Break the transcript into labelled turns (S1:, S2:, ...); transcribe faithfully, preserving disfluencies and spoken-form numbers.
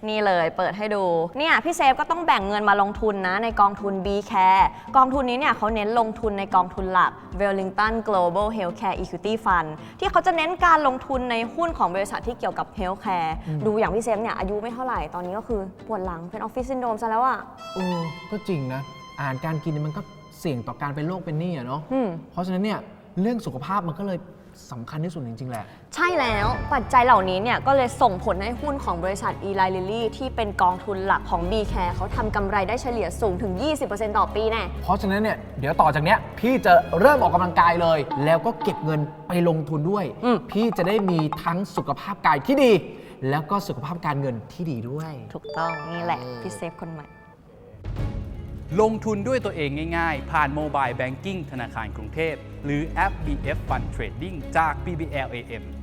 S1: นี่เลยเปิดให้ดูเนี่ยพี่เซฟก็ต้องแบ่งเงินมาลงทุนนะในกองทุน บี แคร์ กองทุนนี้เนี่ยเขาเน้นลงทุนในกองทุนหลัก Wellington Global Healthcare Equity Fund ที่เขาจะเน้นการลงทุนในหุ้นของบริษัทที่เกี่ยวกับ Healthcare ดูอย่างพี่เซฟเนี่ยอายุไม่เท่าไหร่ตอนนี้ก็คือปวดหลังเป็นออฟฟิศซินโดรมซะแล้วอ่ะ
S2: เออก็จริงนะอาหารการกินมันก็เสี่ยงต่อการเป็นโรคเป็นหนี้อะเนาะเพราะฉะนั้นเนี่ยเรื่องสุขภาพมันก็เลยสำคัญที่สุดจริงๆแหละ
S1: ใช่แล้วปัจจัยเหล่านี้เนี่ยก็เลยส่งผลให้หุ้นของบริษัท Eli Lilly ที่เป็นกองทุนหลักของ บี แคร์ เขาทำกำไรได้เฉลี่ยสูงถึง ยี่สิบเปอร์เซ็นต์ ต่อปีแน่
S2: เพราะฉะนั้นเนี่ยเดี๋ยวต่อจากเนี้ยพี่จะเริ่มออกกำลังกายเลยแล้วก็เก็บเงินไปลงทุนด้วยพี่จะได้มีทั้งสุขภาพกายที่ดีแล้วก็สุขภาพการเงินที่ดีด้วย
S1: ถูกต้องนี่แหละพี่เซฟคนใหม่
S3: ลงทุนด้วยตัวเองง่ายๆผ่านโมบายแบงกิ้งธนาคารกรุงเทพหรือแอป บี เอฟ Fund Trading จาก บี บี แอล เอ เอ็ม